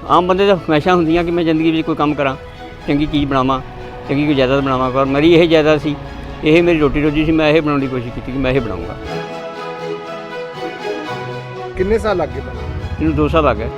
आम बंदे तो हमेशा होंदियां कि मैं जिंदगी में कोई काम करा, चंगी चीज़ बनावां, चंगी कोई जायदाद बनावां। पर मेरी यही जायदाद सी, यही मेरी रोटी रोजी सी। मैं यही बनाने की कोशिश की कि मैं यही बनाऊँगा। किन्ने साल लग गए बनाने? इन्हूं 2 साल आ गए।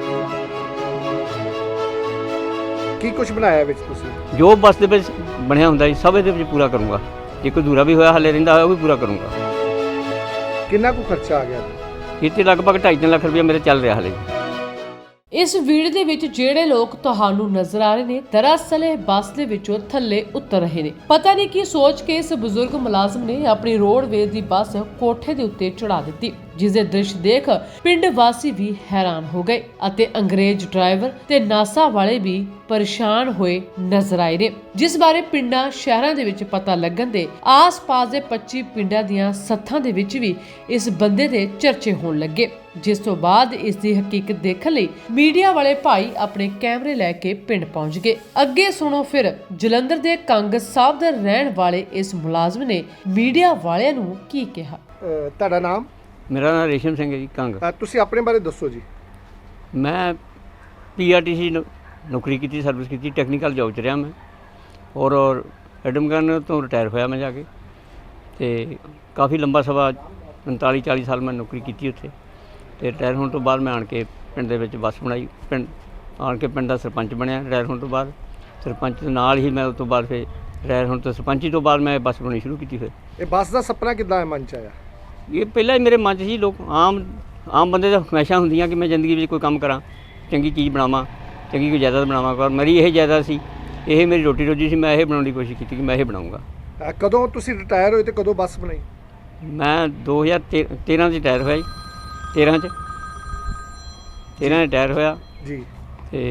ਕੀ ਕੁਝ ਬਣਾਇਆ ਵਿੱਚ ਤੁਸੀਂ? जो बस ਦੇ ਵਿੱਚ ਬਣਿਆ ਹੁੰਦਾ ਜੀ ਸਭ ਇਹਦੇ ਵਿੱਚ ਪੂਰਾ ਕਰੂੰਗਾ। ਜੇ ਕੋਈ ਅਧੂਰਾ ਵੀ ਹੋਇਆ ਹਾਲੇ ਰਹਿੰਦਾ ਹੋਇਆ ਉਹ ਵੀ ਪੂਰਾ ਕਰੂੰਗਾ। ਕਿੰਨਾ ਕੁ ਖਰਚਾ ਆ ਗਿਆ? ਇਹ 'ਤੇ ਲਗਭਗ 2.5 ਲੱਖ ਰੁਪਏ ਮੇਰੇ ਚੱਲ ਰਿਹਾ ਹਾਲੇ। ਇਸ ਵੀਡੀਓ ਦੇ ਵਿੱਚ ਜਿਹੜੇ ਲੋਕ ਤੁਹਾਨੂੰ ਨਜ਼ਰ ਆ ਰਹੇ ਨੇ, ਦਰਅਸਲ ਇਹ ਬੱਸ ਦੇ ਵਿੱਚੋਂ ਥੱਲੇ ਉਤਰ ਰਹੇ ਨੇ। ਪਤਾ ਨਹੀਂ ਕੀ ਸੋਚ ਕੇ ਇਸ ਬਜ਼ੁਰਗ ਮੁਲਾਜ਼ਮ ਨੇ ਆਪਣੀ ਰੋਡਵੇਜ਼ ਦੀ ਬੱਸ ਕੋਠੇ ਦੇ ਉੱਤੇ ਚੜਾ ਦਿੱਤੀ, ਜਿਸ ਦੇ ਦ੍ਰਿਸ਼ ਦੇਖ ਪਿੰਡ ਵਾਸੀ ਵੀ ਹੈਰਾਨ ਹੋ ਗਏ ਅਤੇ ਅੰਗਰੇਜ਼ ਡਰਾਈਵਰ ਤੇ ਨਾਸਾ ਵਾਲੇ ਵੀ ਪਰੇਸ਼ਾਨ ਹੋਏ ਨਜ਼ਰ ਆਏ ਨੇ, ਜਿਸ ਬਾਰੇ ਪਿੰਡਾਂ ਸ਼ਹਿਰਾਂ ਦੇ ਵਿੱਚ ਪਤਾ ਲੱਗਣ ਦੇ ਆਸ-ਪਾਸ ਦੇ 25 ਪਿੰਡਾਂ ਦੀਆਂ ਸੱਥਾਂ ਦੇ ਵਿੱਚ ਵੀ ਇਸ ਬੰਦੇ ਦੇ ਚਰਚੇ ਹੋਣ ਲੱਗੇ, ਜਿਸ ਤੋਂ ਬਾਅਦ ਇਸ ਦੀ ਹਕੀਕਤ ਦੇਖਣ ਲਈ ਮੀਡੀਆ ਵਾਲੇ ਭਾਈ ਆਪਣੇ ਕੈਮਰੇ ਲੈ ਕੇ ਪਿੰਡ ਪਹੁੰਚ ਗਏ। ਅੱਗੇ ਸੁਣੋ ਫਿਰ ਜਲੰਧਰ ਦੇ ਕੰਗ ਸਾਹਿਬ ਦੇ ਰਹਿਣ ਵਾਲੇ ਇਸ ਮੁਲਾਜ਼ਮ ਨੇ ਮੀਡੀਆ ਵਾਲਿਆਂ ਨੂੰ ਕੀ ਕਿਹਾ। ਤੁਹਾਡਾ ਨਾਮ? ਮੇਰਾ ਨਾਮ ਰੇਸ਼ਮ ਸਿੰਘ ਹੈ ਜੀ, ਕੰਗ। ਤੁਸੀਂ ਆਪਣੇ ਬਾਰੇ ਦੱਸੋ ਜੀ। ਮੈਂ PRTC ਨੌਕਰੀ ਕੀਤੀ, ਸਰਵਿਸ ਕੀਤੀ, ਟੈਕਨੀਕਲ ਜੋਬ 'ਚ ਰਿਹਾ ਮੈਂ। ਔਰ ਐਡਮਗਨ ਤੋਂ ਰਿਟਾਇਰ ਹੋਇਆ ਮੈਂ ਜਾ ਕੇ, ਅਤੇ ਕਾਫੀ ਲੰਬਾ ਸਮਾਂ 39-40 ਸਾਲ ਮੈਂ ਨੌਕਰੀ ਕੀਤੀ ਉੱਥੇ। ਅਤੇ ਰਿਟਾਇਰ ਹੋਣ ਤੋਂ ਬਾਅਦ ਮੈਂ ਆਣ ਕੇ ਪਿੰਡ ਦੇ ਵਿੱਚ ਬੱਸ ਬਣਾਈ, ਪਿੰਡ ਆਣ ਕੇ ਪਿੰਡ ਦਾ ਸਰਪੰਚ ਬਣਿਆ ਰਿਟਾਇਰ ਹੋਣ ਤੋਂ ਬਾਅਦ। ਸਰਪੰਚ ਦੇ ਨਾਲ ਹੀ ਮੈਂ ਉਸ ਤੋਂ ਬਾਅਦ ਫਿਰ ਰਿਟਾਇਰ ਹੋਣ ਤੋਂ ਸਰਪੰਚੀ ਤੋਂ ਬਾਅਦ ਮੈਂ ਬੱਸ ਬਣਾਉਣੀ ਸ਼ੁਰੂ ਕੀਤੀ। ਫਿਰ ਇਹ ਬੱਸ ਦਾ ਸੁਪਨਾ ਕਿੱਦਾਂ ਮਨ 'ਚ ਆਇਆ? ਇਹ ਪਹਿਲਾਂ ਹੀ ਮੇਰੇ ਮਨ 'ਚ ਸੀ। ਲੋਕ ਆਮ ਬੰਦੇ ਤਾਂ ਹਮੇਸ਼ਾ ਹੁੰਦੀਆਂ ਕਿ ਮੈਂ ਜ਼ਿੰਦਗੀ ਵਿੱਚ ਕੋਈ ਕੰਮ ਕਰਾਂ, ਚੰਗੀ ਚੀਜ਼ ਬਣਾਵਾਂ, ਚੰਗੀ ਕੋਈ ਜਾਇਦਾਦ ਬਣਾਵਾਂ। ਪਰ ਮੇਰੀ ਇਹ ਜਾਇਦਾਦ ਸੀ, ਇਹ ਮੇਰੀ ਰੋਟੀ ਰੋਜੀ ਸੀ। ਮੈਂ ਇਹ ਬਣਾਉਣ ਦੀ ਕੋਸ਼ਿਸ਼ ਕੀਤੀ ਕਿ ਮੈਂ ਇਹ ਬਣਾਊਂਗਾ। ਕਦੋਂ ਤੁਸੀਂ ਰਿਟਾਇਰ ਹੋਏ ਤੇ ਕਦੋਂ ਬੱਸ ਬਣਾਈ? ਮੈਂ 2013 'ਚ ਰਿਟਾਇਰ ਹੋਇਆ ਜੀ। 13 'ਚ ਰਿਟਾਇਰ ਹੋਇਆ ਜੀ, ਅਤੇ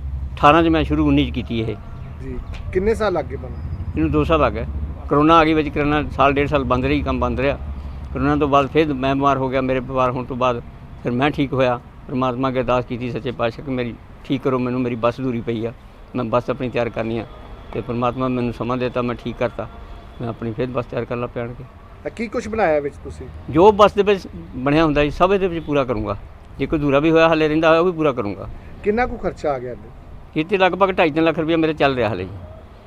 18 'ਚ ਮੈਂ ਸ਼ੁਰੂ 19 'ਚ ਕੀਤੀ ਇਹ ਜੀ। ਕਿੰਨੇ ਸਾਲ ਲੱਗ ਗਏ ਬਣਨ? ਇਹਨੂੰ 2 ਸਾਲ ਆ ਗਏ। ਕਰੋਨਾ ਆ ਗਈ ਵਿੱਚ, ਕਰੋਨਾ ਸਾਲ 1.5 ਸਾਲ ਬੰਦ ਰਹੀ, ਕੰਮ ਬੰਦ ਰਿਹਾ। ਕਰੋਨਾ ਤੋਂ ਬਾਅਦ ਫਿਰ ਮੈਂ ਬਿਮਾਰ ਹੋ ਗਿਆ। ਮੇਰੇ ਬਿਮਾਰ ਹੋਣ ਤੋਂ ਬਾਅਦ ਫਿਰ ਮੈਂ ਠੀਕ ਹੋਇਆ। ਪਰਮਾਤਮਾ ਅੱਗੇ ਅਰਦਾਸ ਕੀਤੀ ਸੱਚੇ ਪਾਤਸ਼ਾਹ ਕਿ ਮੇਰੀ ਠੀਕ ਕਰੋ ਮੈਨੂੰ, ਮੇਰੀ ਬੱਸ ਅਧੂਰੀ ਪਈ ਆ, ਮੈਂ ਬੱਸ ਆਪਣੀ ਤਿਆਰ ਕਰਨੀ ਆ। ਅਤੇ ਪਰਮਾਤਮਾ ਮੈਨੂੰ ਸਮਾਂ ਦਿੱਤਾ, ਮੈਂ ਠੀਕ ਕਰਤਾ। ਮੈਂ ਆਪਣੀ ਫਿਰ ਬੱਸ ਤਿਆਰ ਕਰਨ ਲੱਗ ਪਿਆ। ਆਣ ਕੇ ਕੀ ਕੁਝ ਬਣਾਇਆ ਵਿੱਚ ਤੁਸੀਂ? ਜੋ ਬੱਸ ਦੇ ਵਿੱਚ ਬਣਿਆ ਹੁੰਦਾ ਜੀ ਸਭ ਇਹਦੇ ਵਿੱਚ ਪੂਰਾ ਕਰੂੰਗਾ। ਜੇ ਕੋਈ ਅਧੂਰਾ ਵੀ ਹੋਇਆ ਹਾਲੇ ਰਹਿੰਦਾ ਹੋਇਆ ਉਹ ਵੀ ਪੂਰਾ ਕਰੂੰਗਾ। ਕਿੰਨਾ ਕੁ ਖਰਚਾ ਆ ਗਿਆ? ਇਹ 'ਤੇ ਲਗਭਗ 2.5 ਲੱਖ ਰੁਪਏ ਮੇਰੇ ਚੱਲ ਰਿਹਾ ਹਾਲੇ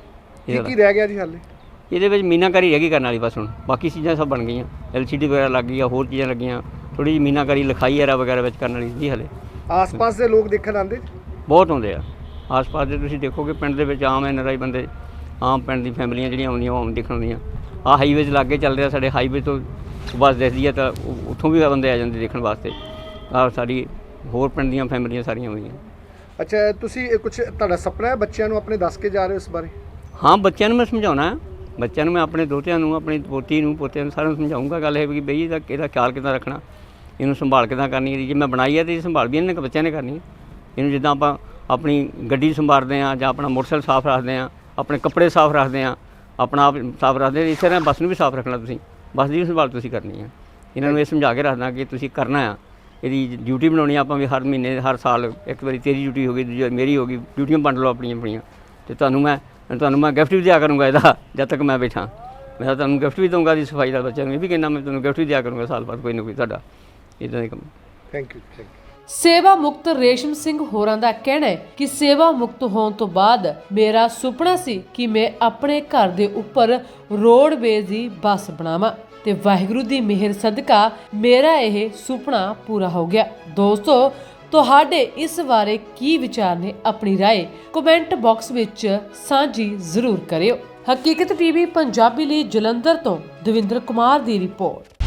ਜੀ। ਕੀ ਰਹਿ ਗਿਆ ਜੀ ਹਾਲੇ? ਇਹਦੇ ਵਿੱਚ ਮੀਨਾਕਾਰੀ ਰਹਿ ਗਈ ਕਰਨ ਵਾਲੀ ਬਸ। ਹੁਣ ਬਾਕੀ ਚੀਜ਼ਾਂ ਸਭ ਬਣ ਗਈਆਂ, LCD ਵਗੈਰਾ ਲੱਗ ਗਈ ਆ, ਹੋਰ ਚੀਜ਼ਾਂ ਲੱਗੀਆਂ। ਥੋੜ੍ਹੀ ਜਿਹੀ ਮੀਨਾਕਾਰੀ ਲਿਖਾਈ ਐਰਾ ਵਗੈਰਾ ਵਿੱਚ ਕਰਨ ਵਾਲੀ ਜੀ ਹਾਲੇ। ਆਸ-ਪਾਸ ਦੇ ਲੋਕ ਦੇਖਣ ਆਉਂਦੇ? ਬਹੁਤ ਆਉਂਦੇ ਆ ਆਸ-ਪਾਸ ਦੇ। ਤੁਸੀਂ ਦੇਖੋਗੇ ਪਿੰਡ ਦੇ ਵਿੱਚ ਆਮ NRI ਬੰਦੇ, ਆਮ ਪਿੰਡ ਦੀ ਫੈਮਲੀਆਂ ਜਿਹੜੀਆਂ ਆਉਂਦੀਆਂ ਉਹ ਦੇਖਣ ਆਉਂਦੀਆਂ। ਆਹ ਹਾਈਵੇ 'ਚ ਲਾਗੇ ਚੱਲ ਰਿਹਾ ਸਾਡੇ, ਹਾਈਵੇ ਤੋਂ ਬੱਸ ਦਿਖਦੀ ਹੈ ਤਾਂ ਉੱਥੋਂ ਵੀ ਬੰਦੇ ਆ ਜਾਂਦੇ ਦੇਖਣ ਵਾਸਤੇ। ਆਹ ਸਾਡੀ ਹੋਰ ਪਿੰਡ ਦੀਆਂ ਫੈਮਲੀਆਂ ਸਾਰੀਆਂ ਹੋਈਆਂ। ਅੱਛਾ, ਤੁਸੀਂ ਕੁਝ ਤੁਹਾਡਾ ਸੁਪਨਾ ਹੈ ਬੱਚਿਆਂ ਨੂੰ ਆਪਣੇ ਦੱਸ ਕੇ ਜਾ ਰਹੇ ਹੋ ਇਸ ਬਾਰੇ? ਹਾਂ, ਬੱਚਿਆਂ ਨੂੰ ਮੈਂ ਸਮਝਾਉਣਾ। ਬੱਚਿਆਂ ਨੂੰ ਮੈਂ ਆਪਣੇ ਦੋਤਿਆਂ ਨੂੰ, ਆਪਣੀ ਪੋਤੀ ਨੂੰ, ਪੋਤਿਆਂ ਨੂੰ ਸਾਰਿਆਂ ਨੂੰ ਸਮਝਾਊਂਗਾ। ਗੱਲ ਇਹ ਵੀ ਬਈ ਇਹਦਾ ਖਿਆਲ ਕਿੱਦਾਂ ਰੱਖਣਾ, ਇਹਨੂੰ ਸੰਭਾਲ ਕਿੱਦਾਂ ਕਰਨੀ ਹੈ। ਜੇ ਮੈਂ ਬਣਾਈ ਹੈ ਤਾਂ ਇਹ ਸੰਭਾਲ ਵੀ ਇਹਨਾਂ ਨੇ ਬੱਚਿਆਂ ਨੇ ਕਰਨੀ ਹੈ। ਇਹਨੂੰ ਜਿੱਦਾਂ ਆਪਾਂ ਆਪਣੀ ਗੱਡੀ ਸੰਭਾਲਦੇ ਹਾਂ ਜਾਂ ਆਪਣਾ ਮੋਟਰਸਾਈਕਲ ਸਾਫ਼ ਰੱਖਦੇ ਹਾਂ, ਆਪਣੇ ਕੱਪੜੇ ਸਾਫ਼ ਰੱਖਦੇ ਹਾਂ, ਆਪਣਾ ਆਪ ਸਾਫ਼ ਰੱਖਦੇ ਹਾਂ, ਇਸੇ ਤਰ੍ਹਾਂ ਬੱਸ ਨੂੰ ਵੀ ਸਾਫ਼ ਰੱਖਣਾ। ਤੁਸੀਂ ਬੱਸ ਦੀ ਵੀ ਸੰਭਾਲ ਤੁਸੀਂ ਕਰਨੀ ਹੈ। ਇਹਨਾਂ ਨੂੰ ਇਹ ਸਮਝਾ ਕੇ ਰੱਖਦਾ ਕਿ ਤੁਸੀਂ ਕਰਨਾ ਆ, ਇਹਦੀ ਡਿਊਟੀ ਬਣਾਉਣੀ ਆਪਾਂ ਵੀ। ਹਰ ਮਹੀਨੇ ਹਰ ਸਾਲ ਇੱਕ ਵਾਰੀ ਤੇਰੀ ਡਿਊਟੀ ਹੋ ਗਈ, ਦੂਜੀ ਮੇਰੀ ਹੋ ਗਈ, ਡਿਊਟੀਆਂ ਵੰਡ ਲਓ ਆਪਣੀਆਂ ਆਪਣੀਆਂ। ਅਤੇ ਤੁਹਾਨੂੰ ਮੈਂ ਗਿਫਟ ਵੀ ਦਿਆ ਕਰੂੰਗਾ ਇਹਦਾ ਜਦ ਤੱਕ ਮੈਂ ਬੈਠਾ। ਮੈਂ ਤੁਹਾਨੂੰ ਗਿਫਟ ਵੀ ਦਊਂਗਾ ਦੀ ਸਫਾਈ ਦਾ। ਬੱਚਿਆਂ ਨੂੰ ਇਹ ਵੀ ਕਹਿੰਦਾ ਮੈਂ ਤੁਹਾਨੂੰ ਗਿਫਟ ਵੀ ਦਿਆ ਕਰੂੰਗਾ ਸਾਲ ਬਾਅਦ ਕੋਈ ਨਾ ਕੋਈ ਤੁਹਾਡਾ ਇੱਦਾਂ ਦੇ ਕੰਮ। Thank you. ਸੇਵਾ ਮੁਕਤ ਰੇਸ਼ਮ ਸਿੰਘ ਹੋਰਾਂ ਦਾ ਕਹਿਣਾ ਹੈ ਕਿ ਸੇਵਾ ਮੁਕਤ ਹੋਣ ਤੋਂ ਬਾਅਦ ਮੇਰਾ ਸੁਪਨਾ ਸੀ ਕਿ ਮੈਂ ਆਪਣੇ ਘਰ ਦੇ ਉੱਪਰ ਰੋਡਵੇਜ਼ ਦੀ ਬੱਸ ਬਣਾਵਾਂ, ਤੇ ਵਾਹਿਗੁਰੂ ਦੀ ਮਿਹਰ ਸਦਕਾ ਮੇਰਾ ਇਹ ਸੁਪਨਾ ਪੂਰਾ ਹੋ ਗਿਆ। ਦੋਸਤੋ, ਤੁਹਾਡੇ ਇਸ ਬਾਰੇ ਕੀ ਵਿਚਾਰ ਨੇ? ਆਪਣੀ ਰਾਏ ਕਮੈਂਟ ਬਾਕਸ ਵਿੱਚ ਸਾਂਝੀ ਜ਼ਰੂਰ ਕਰਿਓ। ਹਕੀਕਤ TV ਪੰਜਾਬੀ ਲਈ ਜਲੰਧਰ ਤੋਂ ਦਵਿੰਦਰ ਕੁਮਾਰ ਦੀ ਰਿਪੋਰਟ।